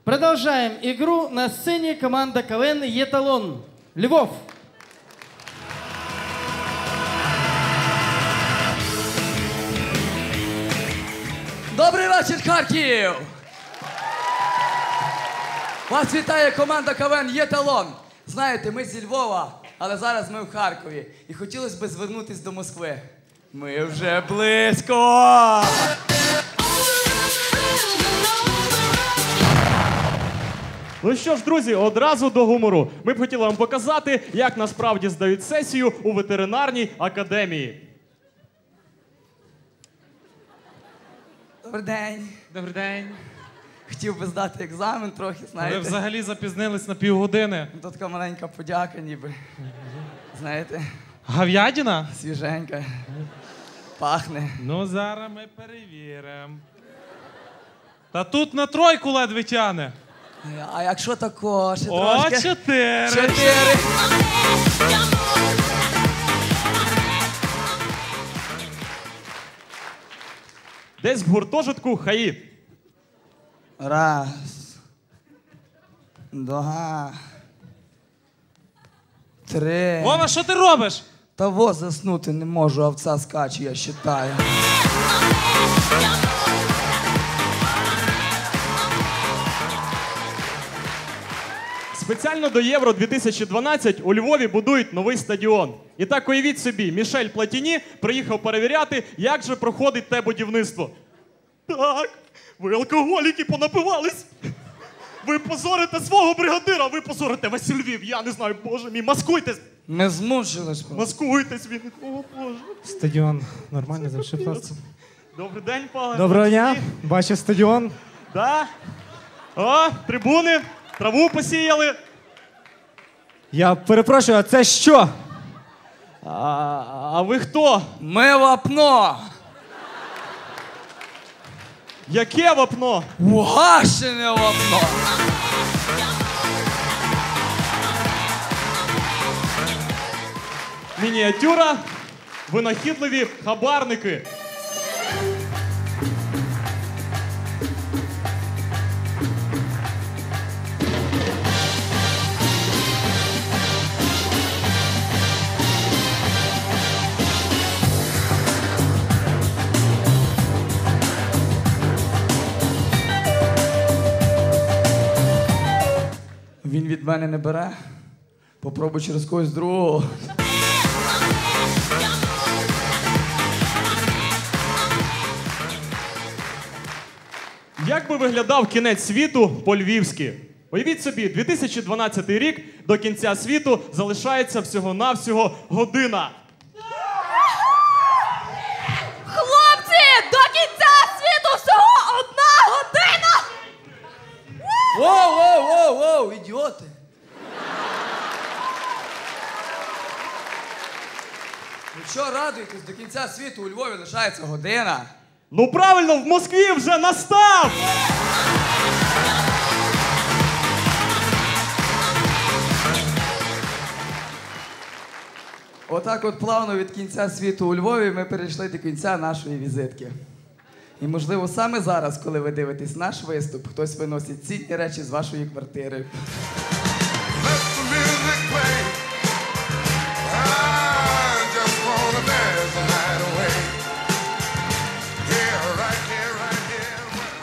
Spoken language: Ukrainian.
Продолжаем игру. На сцене команда КВН «Еталон». Львов. Добрий вечір, Харків! Вас вітає команда КВН «Еталон». Знаєте, ми зі Львова, але зараз ми в Харкові. І хотілося б звернутися до Москви. Ми вже близько! Ну що ж, друзі, одразу до гумору. Ми б хотіли вам показати, як насправді здають сесію у ветеринарній академії. Добрий день. Добрий день. Хотів би здати екзамен трохи, Ви знаєте. взагалі запізнились на півгодини. Тут така маленька подяка ніби. Знаєте, Говядина? свіженька. Пахне. Ну, зараз ми перевіримо. Та тут на тройку ледве тяне. А якщо тако, ще О, трошки? 4. 4. Десь в гуртожитку ХАІ. Раз. Два. Три. Вова, що ти робиш? Та во заснути не можу, овца скаче, я считаю. Спеціально до Євро 2012 у Львові будують новий стадіон. І так уявіть собі, Мішель Платіні приїхав перевіряти, як же проходить те будівництво. Так, ви алкоголіки понапивались. Ви позорите свого бригадира, ви позорите весь Львів. Я не знаю, боже мій, маскуйтесь. Ми змучились. Маскуйтесь, він. О, боже. Стадіон нормально завжди просто. Добрий день, пане. Доброго дня, бачив стадіон. Да. О, трибуни, траву посіяли. Я перепрошую, а це що? А ви хто? Ми вапно. Яке вапно? Угашене вапно. Мініатюра, винахідливі хабарники. Він від мене не бере. Попробуй через когось другого. Як би виглядав кінець світу по-львівськи? Уявіть собі, 2012 рік, до кінця світу залишається всього-навсього година. Хлопці, до кінця світу всього 1 година! Воу, ідіоти. Ну що, радуйтесь, до кінця світу у Львові лишається година. Ну правильно, в Москві вже настав! Отак от плавно від кінця світу у Львові ми перейшли до кінця нашої візитки. І, можливо, саме зараз, коли ви дивитесь наш виступ, хтось виносить цінні речі з вашої квартири.